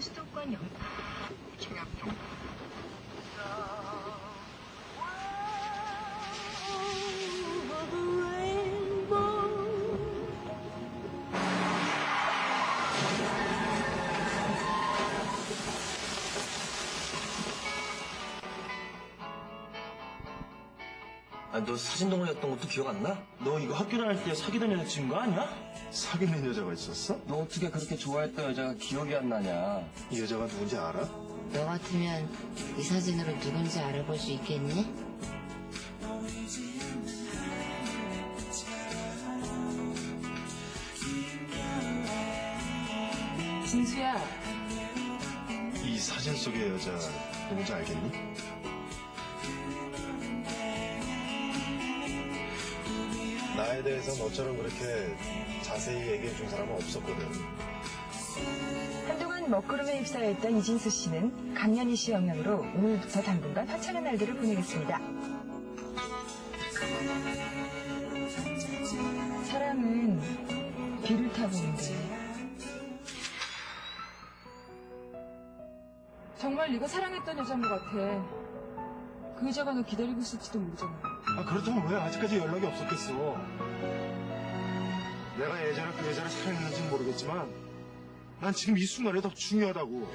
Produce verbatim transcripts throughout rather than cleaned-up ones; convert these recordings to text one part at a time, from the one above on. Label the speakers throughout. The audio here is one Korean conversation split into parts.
Speaker 1: 수도권 영...
Speaker 2: 청약종.
Speaker 3: 아, 너 사진 동호회였던 것도 기억 안 나? 너 이거 학교 다닐 때 사귀던 여자친구 아니야?
Speaker 2: 사귀는 여자가 있었어?
Speaker 3: 너 어떻게 그렇게 좋아했던 여자가 기억이 안 나냐?
Speaker 2: 이 여자가 누군지 알아?
Speaker 4: 너 같으면 이 사진으로 누군지 알아볼 수 있겠니?
Speaker 1: 진수야,
Speaker 2: 이 사진 속의 여자 누군지 알겠니? 나에 대해서 너처럼 그렇게 자세히 얘기해 준 사람은 없었거든.
Speaker 1: 한동안 먹구름에 휩싸여있던 이진수 씨는 강연희 씨 영향으로 오늘부터 당분간 화창한 날들을 보내겠습니다. 사랑은 비를 타고 온대. 정말 네가 사랑했던 여자인 것 같아. 그 여자가 너 기다리고 있을지도 모르잖아.
Speaker 2: 아, 그렇다면 왜 아직까지 연락이 없었겠어? 내가 예전에 그 여자를 사랑했는지는 모르겠지만 난 지금 이 순간이 더 중요하다고.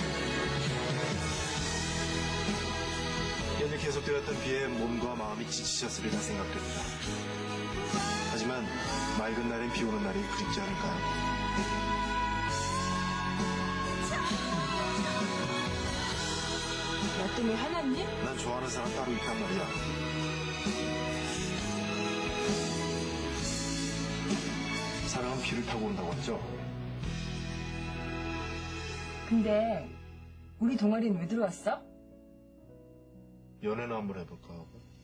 Speaker 2: 연일 계속되었던 비에 몸과 마음이 지치셨으리라 생각됩니다. 하지만 맑은 날엔 비 오는 날이 그립지 않을까요?
Speaker 1: 나 때문에 화났니?
Speaker 2: 난 좋아하는 사람 따로 있단 말이야. 사랑은 비를 타고 온다고 하죠?
Speaker 1: 근데 우리 동아리는 왜 들어왔어?
Speaker 2: 연애나 한번 해볼까 하고.